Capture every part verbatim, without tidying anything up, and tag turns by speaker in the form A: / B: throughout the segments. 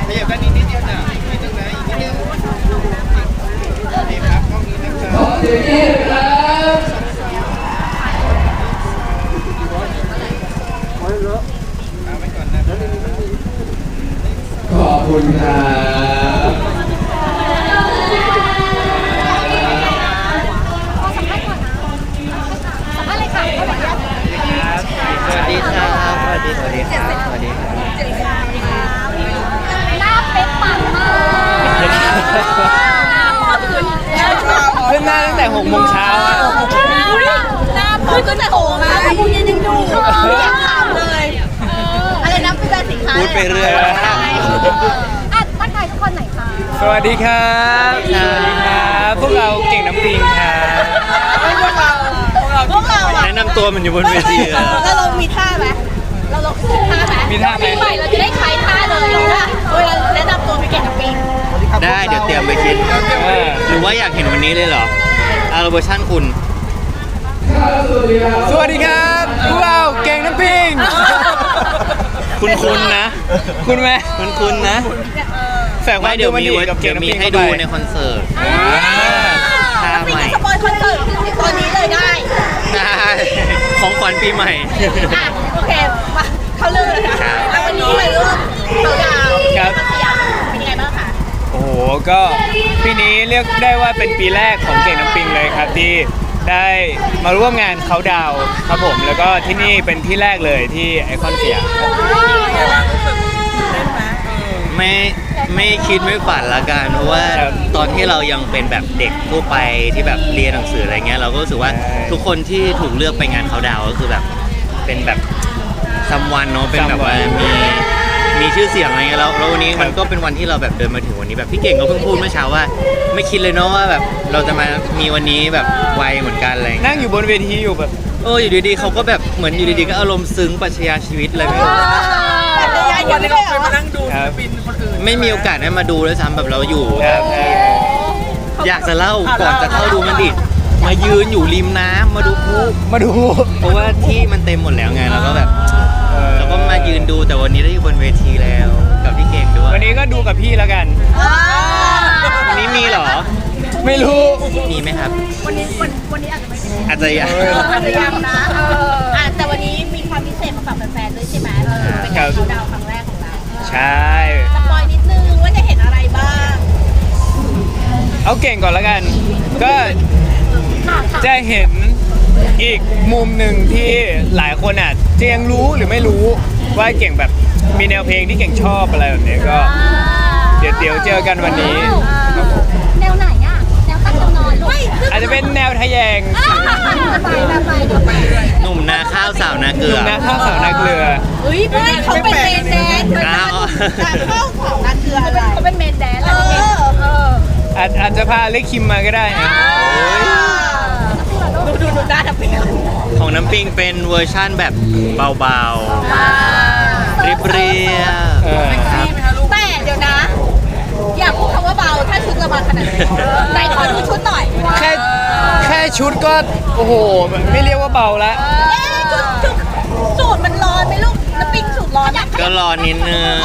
A: ขยับด้านนี้นิดเดียวนะนิดนึงนะอีกนิดนึงนี่ครับกล้องนี้นะครับขอเสียงนี้ครับเอาไว้ก่อนนะ
B: ขอบคุณครับ
A: สวัสดีครับสวัสดีสวัสดีครับสวัสดีครับ
C: หน้าเป๊ะปังมาก
A: เพิ่งมาตั้งแต่หกโมงเช้าอ่ะ
C: หน้าพูดตั้งแต่โหมาพูดยังยังดูยังถามเลยอะไรนะเป็นแบบสินค้า
A: พูดไปเรื่อย
C: อ่ะทักทายทุกคนหน่อยค่ะ
B: สวัสดีครับสวัสดีครับพวกเราเก่งน้ำปิงครับ
C: พวกเราพวกเราอ่ะ
A: แนะนำตัวมันอยู่บนเวที
C: แล้วเรามีท่าไหมเราลองท่าไหม
B: มีท่าไหม
C: ปีใหม่เราจะได้ใช้ท่าเลยว่าเวลาแนะนำตัวไปเก่งกับปิง
A: ได้เดี๋ยวเตรียมไปคิดหรือว่าอยากเห็นวันนี้เลยเหรออาร์เวอร์ชั่นคุณ
B: สวัสดีครับพวกเราเก่งน้ำปิง
A: คุณคุณนะ
B: คุณไหม
A: คุณคุณนะไม่เดี๋ยวมีเดี๋ยวมีให้ดูในคอนเสิร์ต
C: ท่าใหม่สปอยคอนเสิร์ตตอนนี้เลยได้
A: ได้ของขวัญปีใหม่
C: โอเคมาเข้าเรื่องเลยนะแล้ววันนี้เลยเรื่องเขาดาว
B: ครับ
C: เป็นยังไงบ้างคะ
B: โอ้โหก็ปีนี้เรียกได้ว่าเป็นปีแรกของเก่งน้ำปิงเลยครับที่ได้มาร่วมงานเขาดาวครับผมแล้วก็ที่นี่เป็นที่แรกเลยที่ไอคอนสยาม
A: ไม่ไม่คิดไม่ฝันละกันเพราะว่าตอนที่เรายังเป็นแบบเด็กทั่วไปที่แบบเรียนหนังสืออะไรเงี้ยเราก็รู้สึกว่าทุกคนที่ถูกเลือกไปงานเขาดาวก็คือแบบเป็นแบบซัมวันเนาะเป็นแบบว่ามีมีชื่อเสียงอะไรเงี้ยแล้วแล้ววันนี้มันก็เป็นวันที่เราแบบเดินมาถึงวันนี้แบบพี่เก่งก็เพิ่งพูดเมื่อเช้าว่าไม่คิดเลยเนาะว่าแบบเราจะมามีวันนี้แบบไวเหมือนกันอะไร
B: นั่งอยู่บนเวทีอยู่แบบ
A: เอออยู่ดีๆเขาก็แบบเหมือนอยู่ดีๆก็อารมณ์ซึ้งปรัชญาชีวิตอะไรไม่รู้
C: วันนี้เราเคยมานั่งดู
A: ศิลปินคนอื่นไม่มีโอกาสได้มาดูด้วยซ้ำแบบเราอยู่อยากจะเล่าก่อนจะเข้าดูมันดิมายืนอยู่ริมน้ำมาดูพลุ
B: มาดู
A: เพราะว่าที่มันเต็มหมดแล้วไงแล้วก็แบบแล้วก็มายืนดูแต่วันนี้ได้อยู่บนเวทีแล้วกับพี่เก่งด้วย
B: วันนี้ก็ดูกับพี่แล้วกัน
A: วันนี้มีเหรอ
B: ไม่รู้
A: มีไหมครับ
C: วันนี้วันวันนี้อาจจะไม่
A: อาจจะยัง
C: อาจจะยังนะอ่าแต่วันนี้มีความพิเศษมาฝากแฟนๆด้วยใช่ไหมเป็นการเขาดาวครั้งแรกของเรา
B: ใช่
C: สปอยนิดนึงว่าจะเห็นอะไรบ้าง
B: เอาเก่งก่อนแล้วกันก็จะเห็นอีกมุมหนึ่งที่หลายคนอาจจะยังรู้หรือไม่รู้ว่าเก่งแบบมีแนวเพลงที่เก่งชอบอะไรแบบนี้ก็เดี๋ยวเดี๋ยวเจอกันวันนี้
C: แนวไหนอ่ะแนวตั้งแนวนอนลูก
B: อาจจะเป็นแนวทะแยง
A: หนุ่มนาข้าวสาวนาเกลือ
B: หนุ่มนาข้าวสาวนาเกลือ
C: เฮ้ยไม่เขาเป็นเมนแดนนาข้าวสาวนาเกลือเขาเป็นเมนแดนเออ
B: อาจอาจจะพาเล็กคิมมาก็ได้นะ
C: ดูดูดูด้าน้ำปิง
A: ของน้ำปิงเป็นเวอร์ชั่นแบบเบาๆเรียบๆครับ
C: แต่เดี๋ยวนะอยากพูดคำว่าเบาถ้าชุดระบาดขนาดไหนไหนขอดูชุดหน่อย
B: แค่แค่ชุดก็โอ้โหไม่เรียกว่าเบาละ
C: ชุดชุดสูตรมันร้อนไหมลูกน้ำปิงสูตรร้อน
A: ก็ร้อนนิดนึง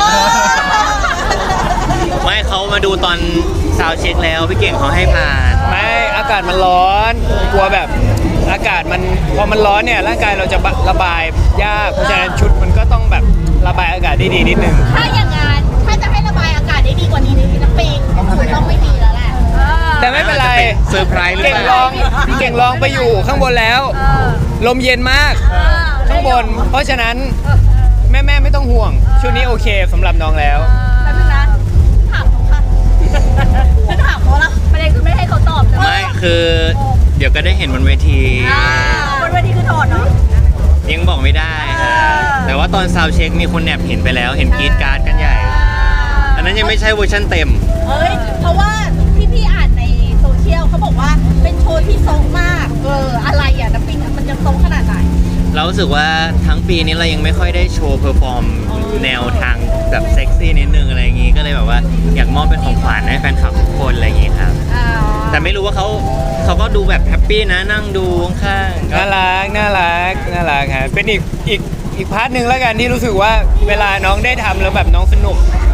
A: ไม่เขามาดูตอนซาวเช็คแล้วพี่เก่งเขาให้ผ่าน
B: ไม่อากาศมันร้อนกลัวแบบอากาศมันพอมันร้อนเนี่ยร่างกายเราจะระบายยากเพราะฉะนั้นชุดมันก็ต้องแบบระบายอากาศได้ดีนิดนึง
C: ถ้าอย่างงั้นถ้าจะให้ระบายอากาศได้ดีกว่านี้น้ำปิงชุดต้องไม่ดีแล้วแหละ
B: แต่ไม่เป็นไร
A: เซอร์ไพรส์หรือเปล่า
B: เก่งลองเก่งลองไปอยู่ข้างบนแล้วลมเย็นมากข้างบนเพราะฉะนั้นแม่แม่ไม่ต้องห่วงชุดนี้โอเคสำหรับน้องแล้ว
C: แล้วนึงนะถามเขาค่ะฉันถามเขาละประเด็นคือไม่ให้เขาตอบ
A: ไม่คือเดี๋ยวก็ได้เห็นบนเวที
C: บนเวทีคือถอดเนาะ
A: ยังบอกไม่ได้แต่ว่าตอนซาวเช็คมีคนแอบเห็นไปแล้วเห็นกรีดการ์ดกันใหญ่อันนั้นยังไม่ใช่เวอร์ชันเต็ม
C: เอ้ยเพราะว่าที่พี่อ่านในโซเชียลเขาบอกว่าเป็นโชว์ที่ทรงมากเอออะไรอ่ะน้ำปิงมันจะทรงขนาดไหน
A: เรารู้สึกว่าทั้งปีนี้เรายังไม่ค่อยได้โชว์เพอร์ฟอร์มแนวทางแบบเซ็กซี่นิดนึงอะไรอย่างงี้ก็เลยแบบว่าอยากมอบเป็นของขวัญให้แฟนคลับทุกคนอะไรอย่างงี้ครับแต่ไม่รู้ว่าเขาเขาก็ดูแบบแฮปปี้นะนั่งดูข้าง
B: ๆน่ารักน่ารักน่ารักครับเป็นอีกอีกอีกพาร์ทหนึ่งแล้วกันที่รู้สึกว่าเวลาน้องได้ทำแล้วแบบน้องสนุก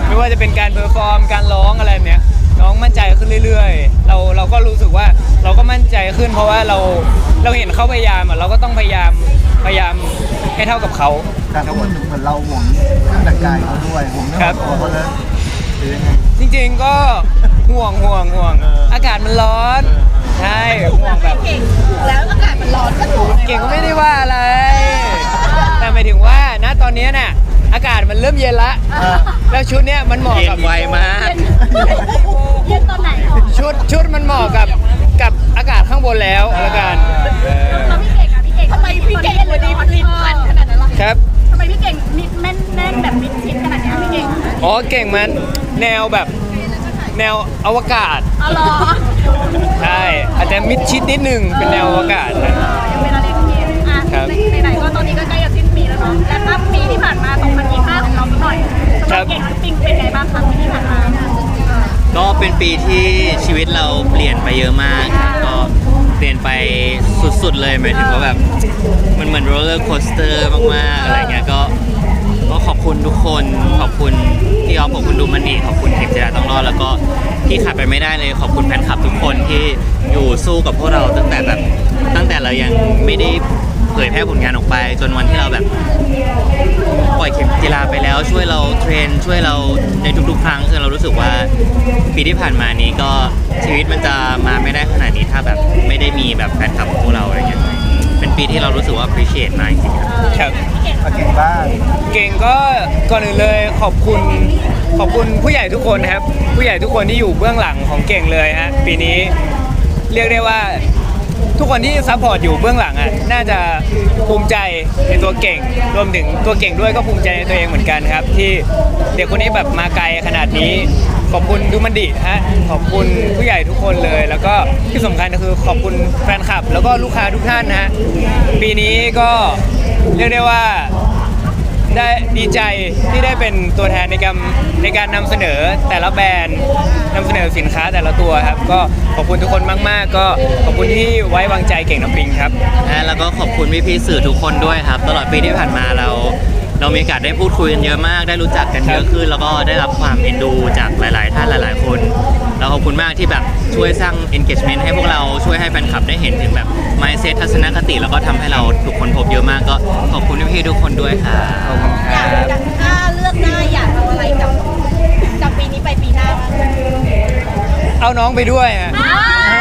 B: ไม่ว่าจะเป็นการเพอร์ฟอร์มการร้องอะไรแบบเนี้ยน้องมั่นใจขึ้นเรื่อยๆเราเราก็รู้สึกว่าเราก็มั่นใจขึ้น เพราะว่าเราเราเห็นเขาพยายามอ่ะเราก็ต้องพยายามพยายามให้เท่ากับเขา
D: การเขาเหมือนเหมือนเราห่วงเครื่องแต่งกายเขาด้วยห่วงเรื่องของตัวเขาเลยหรือยังไง
B: จริงๆก็ห่วงห่วงห่วง
D: เอออ
B: ากาศมันร้อนใช่ห่วงแบบ
C: เก่งถูกแล้วอากาศมันร้อนก็ถูก
B: เก่งก็ไม่ได้ว่าอะไร แต่หมายถึงว่าณตอนนี้เนี่ยอากาศมันเริ่มเย็นละ แล้วชุดเนี้ยมันเหมาะ
A: เย็
B: กับ
A: นไวมาก
C: เย็นตอนไหนหรอ
B: ชุดชุดมันเหมาะกับกับอากาศข้างบนแล้วละกันเออ
C: แล้วพี่เก่งอ่ะพี่เก่งทำไมพี่เก่งวันนี้ลิ้นพันขนาดนั้นล่ะ
B: ครับ
C: ทำไมพี่เก่งมิดแม่นแน่นแบบมิดชิดขนาดนี้พี่เก่ง
B: อ๋อเก่งมันแนวแบบแนวอวกาศ
C: อ๋อเหรอ
B: ใช่อาจจะมิดชิดนิดนึงเป็นแนวอวกาศนะ
C: ยังเป็นอะไรที่เกมอ่ะ
B: ครับ
C: ไหนๆก็ตอนนี้ก็ใกล้จะสิ้นปีแล้วเนาะและภาพปีที่ผ่านมาสองพันยี่สิบห้าของเราสักหน่อยสำหรับเก่งปิงเป็นไงบ้างคะปีที่ผ่านมา
A: ก็เป็นปีที่ชีวิตเราเปลี่ยนไปเยอะมากครับก็เปลี่ยนไปสุดๆเลยหมายถึงว่าแบบมันเหมือนโรลเลอร์โคสเตอร์มากๆอะไรเงี้ยก็ก็ขอบคุณทุกคนขอบคุณพี่ออฟขอบคุณดูมันดีขอบคุณเทคเจราต้องรอดแล้วก็ที่ขาดไปไม่ได้เลยขอบคุณแฟนคลับทุกคนที่อยู่สู้กับพวกเราตั้งแต่แบบตั้งแต่เรายังไม่ได้เผยแพร่ผลงานออกไป จนวันที่เราแบบ ปล่อยเข็มกีฬาไปแล้วช่วยเราเทรนช่วยเราในทุกๆ ครั้งคือเรารู้สึกว่าปีที่ผ่านมานี้ก็ชีวิตมันจะมาไม่ได้ขนาดนี้ถ้าแบบไม่ได้มีแบบแฟนคลับของพวกเราอะไรเงี้ยเป็นปีที่เรารู้สึกว่า appreciate มากจริงๆครับ
B: ครับ
D: มาเก่งบ้าง
B: เก่งก็ก่อนอื่นเลยขอบคุณขอบคุณผู้ใหญ่ทุกคนนะครับ ผู้ใหญ่ทุกคนที่อยู่เบื้องหลังของเก่งเลยฮะปีนี้เรียกได้ว่าทุกคนที่ซัพพอร์ตอยู่เบื้องหลังอ่ะน่าจะภูมิใจในตัวเก่ง รวมถึงตัวเก่งด้วยก็ภูมิใจในตัวเองเหมือนกันครับ ที่เด็กคนนี้แบบมาไกลขนาดนี้ ขอบคุณดูมันดิฮะขอบคุณผู้ใหญ่ทุกคนเลย แล้วก็ที่สำคัญก็คือขอบคุณแฟนคลับ แล้วก็ลูกค้าทุกท่านนะฮะปีนี้ก็เรียกได้ว่า ได้ดีใจที่ได้เป็นตัวแทนในการในการนำเสนอแต่ละแบรนด์นำเสนอสินค้าแต่ละตัวครับก็ขอบคุณทุกคนมากๆ ก็ขอบคุณที่ไว้วางใจเก่งน้ำปิงครับ
A: และแล้วก็ขอบคุณพี่ๆสื่อทุกคนด้วยครับ ตลอดปีที่ผ่านมาเรา เรามีโอกาสได้พูดคุยกันเยอะมาก ได้รู้จักกันเยอะขึ้น แล้วก็ได้รับความเอ็นดูจากหลาย ๆ ท่านหลาย ๆ คนแล้วขอบคุณมากที่แบบช่วยสร้าง engagement ให้พวกเราช่วยให้แฟนคลับได้เห็นถึงแบบ mindset ทัศนคติ แล้วก็ทำให้เราถูกคนพบเยอะมากก็ขอบคุณพี่ๆทุกคนด้วยครับ
B: ขอบคุณค
C: อยา
B: รั
C: ก
B: บ
C: ถ้าเลือกได้อยากเอาอะไรจากจากปีนี้ไปปีหน้าบ้าง
B: เอาน้องไปด้วยฮะ
C: อ่า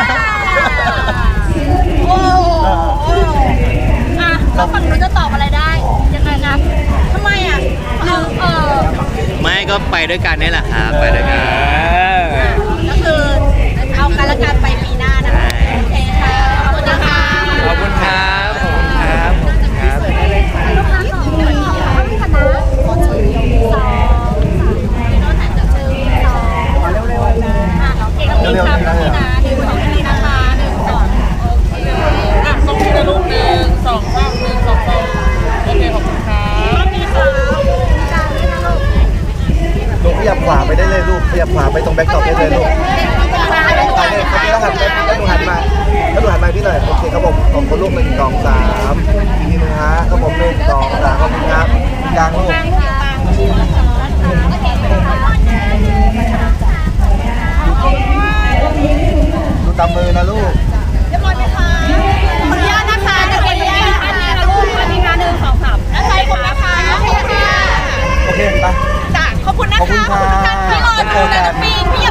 C: โอ้โหอ่ะเราฝั่งนู้นจะตอบอะไรได้ยังไงครับทำไมอ่ะหรือเออ
A: ไม่ก็ไปด้วยกันนี่แหละครับไปด้วยกัน
C: ก็คือเอาการละกันไปปีหน้านะคะโอเคค่ะขอบคุณนะคะ
B: ขอบคุณครับขอบคุณครับขอบคุณครับ
C: ลูกค้าสองคนขอให้คณะขอชื่อสองพี่โน้ตหันจากชื่อสองเร็วๆนะอ่ะโอเคก็มีครับพี่นะหนึ่งสองพี่นะคะหนึ่งสองโอเคอ่ะส่งที่จะลูกหนึ่งสองสามหนึ่งสองสองโอเคขอบคุณครับขอบคุณครับจานด้วยนะลูก
D: ลูกขยับขวาไปได้เลยลูกขยับขวาไปตรงแบ็คดรอปได้เลยลูกไปเลยครับแล้วหันแล้วหนูหันมาแล้วหนูหันมาพี่หน่อยโอเคครับผมของคนลูกหนึ่งสองสามอีกทีหนึงฮะครับผมหนึ่งสองสามขอบคุณครับกลางลูกดูตามมือนะลูก
C: เรียบร้อยไหมคะขออนุญาตนะคะเดี๋ยวขออนุญาตนะคะนะลูกอันนี้นะหนึ่งสองสามแล้วใครคนนะคะโอเคค่ะ
D: โอเคไป
C: จ้ะขอบคุณนะคะ
D: ขอบคุณค่ะ
C: พี่รอดูนะน้ำปิงพี่